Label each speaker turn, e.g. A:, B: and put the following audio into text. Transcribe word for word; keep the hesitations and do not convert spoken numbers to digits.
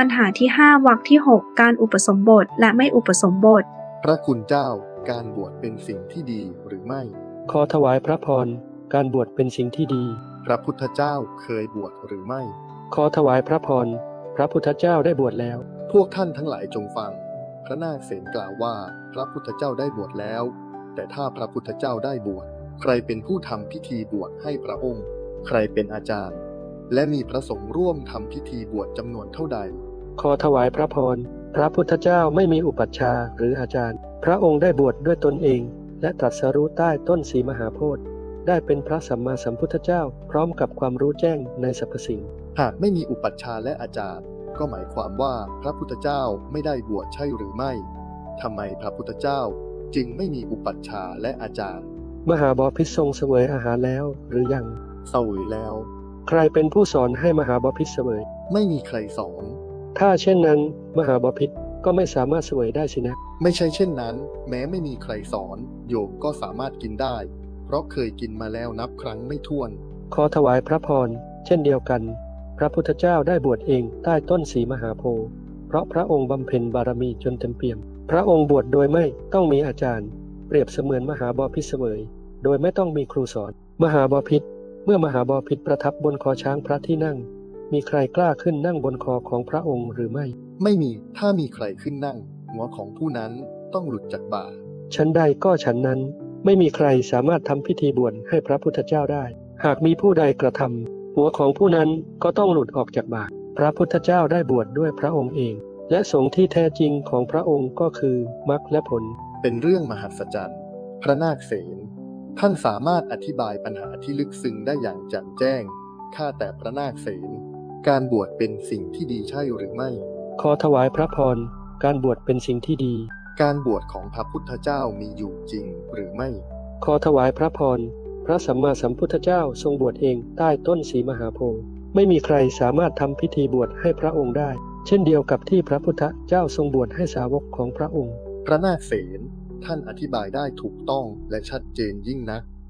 A: ปัญหาที่ห้าวรรคที่หกการอุปสมบทและไม่อุปสมบท
B: พระคุณเจ้าการบวชเป็นสิ่งที่ดีหรือไม่
C: ขอถวายพระพรการบวชเป็นสิ่งที่ดี
B: พระพุทธเจ้าเคยบวชหรือไม่
C: ขอถวายพระพรพระพุทธเจ้าได้บวชแล้ว
B: พวกท่านทั้งหลายจงฟังพระนาคเษนกล่าวว่าพระพุทธเจ้าได้บวชแล้วแต่ถ้าพระพุทธเจ้าได้บวชใครเป็นผู้ทำพิธีบวชให้พระองค์ใครเป็นอาจารย์และมีพระสงฆ์ร่วมทำพิธีบวชจำนวนเท่าใด
C: ขอถวายพระพรพระพุทธเจ้าไม่มีอุปัชฌาย์หรืออาจารย์พระองค์ได้บวชด้วยตนเองและตรัสรู้ใต้ต้นศรีมหาโพธิ์ได้เป็นพระสัมมาสัมพุทธเจ้าพร้อมกับความรู้แจ้งในสรรพสิ่ง
B: หากไม่มีอุปัชฌาย์และอาจารย์ก็หมายความว่าพระพุทธเจ้าไม่ได้บวชใช่หรือไม่ทำไมพระพุทธเจ้าจึงไม่มีอุปัชฌาย์และอาจารย์
C: มหาบพิตรทรงเสวยอาหารแล้วหรือยัง
B: เสวยแล้ว
C: ใครเป็นผู้สอนให้มหาบพิตรเสวย
B: ไม่มีใครสอน
C: ถ้าเช่นนั้นมหาบพิตรก็ไม่สามารถเสวยได้สินะ
B: ไม่ใช่เช่นนั้นแม้ไม่มีใครสอนโยมก็สามารถกินได้เพราะเคยกินมาแล้วนับครั้งไม่ถ้วน
C: ขอถวายพระพรเช่นเดียวกันพระพุทธเจ้าได้บวชเองใต้ต้นศรีมหาโพธิ์เพราะพระองค์บำเพ็ญบารมีจนเต็มเปี่ยมพระองค์บวชโดยไม่ต้องมีอาจารย์เปรียบเสมือนมหาบพิตรเสวยโดยไม่ต้องมีครูสอนมหาบพิตรเมื่อมหาบพิตรประทับบนคอช้างพระที่นั่งมีใครกล้าขึ้นนั่งบนคอของพระองค์หรือไม่
B: ไม่มีถ้ามีใครขึ้นนั่งหัวของผู้นั้นต้องหลุดจากบ่า
C: ชั้นใดก็ฉันนั้นไม่มีใครสามารถทำพิธีบวชให้พระพุทธเจ้าได้หากมีผู้ใดกระทำหัวของผู้นั้นก็ต้องหลุดออกจากบ่าพระพุทธเจ้าได้บวชด้วยพระองค์เองและสงฆ์ที่แท้จริงของพระองค์ก็คือมรรคและผล
B: เป็นเรื่องมหัศจรรย์พระนาคเษนท่านสามารถอธิบายปัญหาที่ลึกซึ้งได้อย่างแจ่มแจ้งข้าแต่พระนาคเษนการบวชเป็นสิ่งที่ดีใช่หรือไม่
C: ขอถวายพระพรการบวชเป็นสิ่งที่ดี
B: การบวชของพระพุทธเจ้ามีอยู่จริงหรือไม่
C: ขอถวายพระพรพระสัมมาสัมพุทธเจ้าทรงบวชเองใต้ต้นศรีมหาโพธิ์ไม่มีใครสามารถทำพิธีบวชให้พระองค์ได้เช่นเดียวกับที่พระพุทธเจ้าทรงบวชให้สาวกของพระองค์
B: พระนาคเษนท่านอธิบายได้ถูกต้องและชัดเจนยิ่งนัก